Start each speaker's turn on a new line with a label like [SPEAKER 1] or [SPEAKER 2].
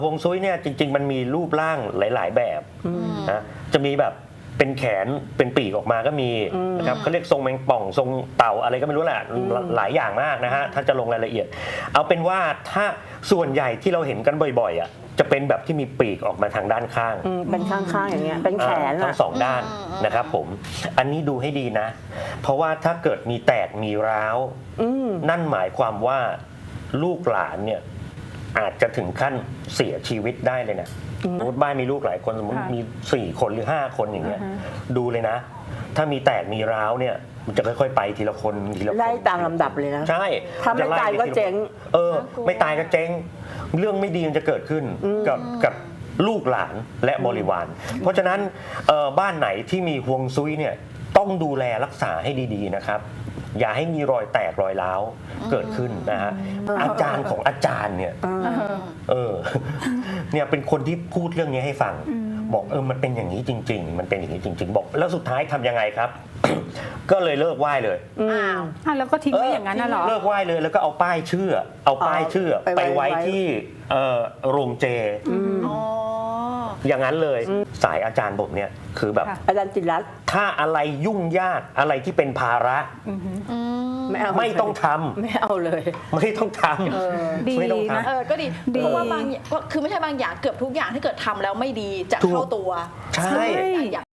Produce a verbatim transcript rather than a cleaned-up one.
[SPEAKER 1] ฮวงซุยเนี่ยจริงๆมันมีรูปร่างหลายๆแบบนะจะมีแบบเป็นแขนเป็นปีกออกมาก็มีนะครับเขาเรียกทรงแมงป่องทรงเต่าอะไรก็ไม่รู้แหละหลายอย่างมากนะฮะถ้าจะลงรายละเอียดเอาเป็นว่าถ้าส่วนใหญ่ที่เราเห็นกันบ่อยๆอ่ะจะเป็นแบบที่มีปีกออกมาทางด้านข้าง
[SPEAKER 2] เป็นข้างๆอย่างเงี้ยเป็นแขน
[SPEAKER 1] ทั้งสองด้านนะครับผมอันนี้ดูให้ดีนะเพราะว่าถ้าเกิดมีแตกมีร้าวนั่นหมายความว่าลูกหลานเนี่ยอาจจะถึงขั้นเสียชีวิตได้เลยนะสมมติบ้านมีลูกหลายคนสมมติมีสี่คนหรือห้าคนอย่างเงี้ยดูเลยนะถ้ามีแตกมีร้าวเนี่ยมันจะค่อยๆไปทีละคนทีละคน
[SPEAKER 2] ไล่ตามลำดับเลยนะ
[SPEAKER 1] ใช่
[SPEAKER 2] ถ้าไม่ตายก็เจ๊ง
[SPEAKER 1] เออไม่ตายก็เจ๊งเรื่องไม่ดีมันจะเกิดขึ้นกับกับลูกหลานและบริวารเพราะฉะนั้นบ้านไหนที่มีฮวงซุยเนี่ยต้องดูแลรักษาให้ดีๆนะครับอย่าให้มีรอยแตกรอยร้าวเกิดขึ้นนะฮะอาจารย์ของอาจารย์เนี่ยเออเนี่ยเป็นคนที่พูดเรื่องนี้ให้ฟังบอกเออมันเป็นอย่างนี้จริงๆมันเป็นอย่างนี้จริงๆบอกแล้วสุดท้ายทำยังไงครับ ก็เลยเลิกไหว้เลย
[SPEAKER 3] อ้าวแล้วก็ทิ้งไว้อย่างนั้นน่ะเหรอ
[SPEAKER 1] เลิกไหว้เลยแล้วก็เอาป้ายชื่อเอาป้ายชื่อไปไว้ที่โรงเจอย่างนั้นเลยสายอาจารย์ผมเนี่ยคือแบบ
[SPEAKER 2] อาจารย์จิตรรัตน์
[SPEAKER 1] ถ้าอะไรยุ่งยากอะไรที่เป็นภาระ
[SPEAKER 2] ไม่เอา
[SPEAKER 1] ไม่ต้องทำ
[SPEAKER 2] ไม่เอาเลย
[SPEAKER 1] ไม่ต้องท
[SPEAKER 3] ำไม่ต้อง
[SPEAKER 4] ทำเออก็ดีเพราะว่าบางคือไม่ใช่บางอย่างเกือบทุกอย่างถ้าเกิดทำแล้วไม่ดีจะเข้าตัว
[SPEAKER 1] ใช่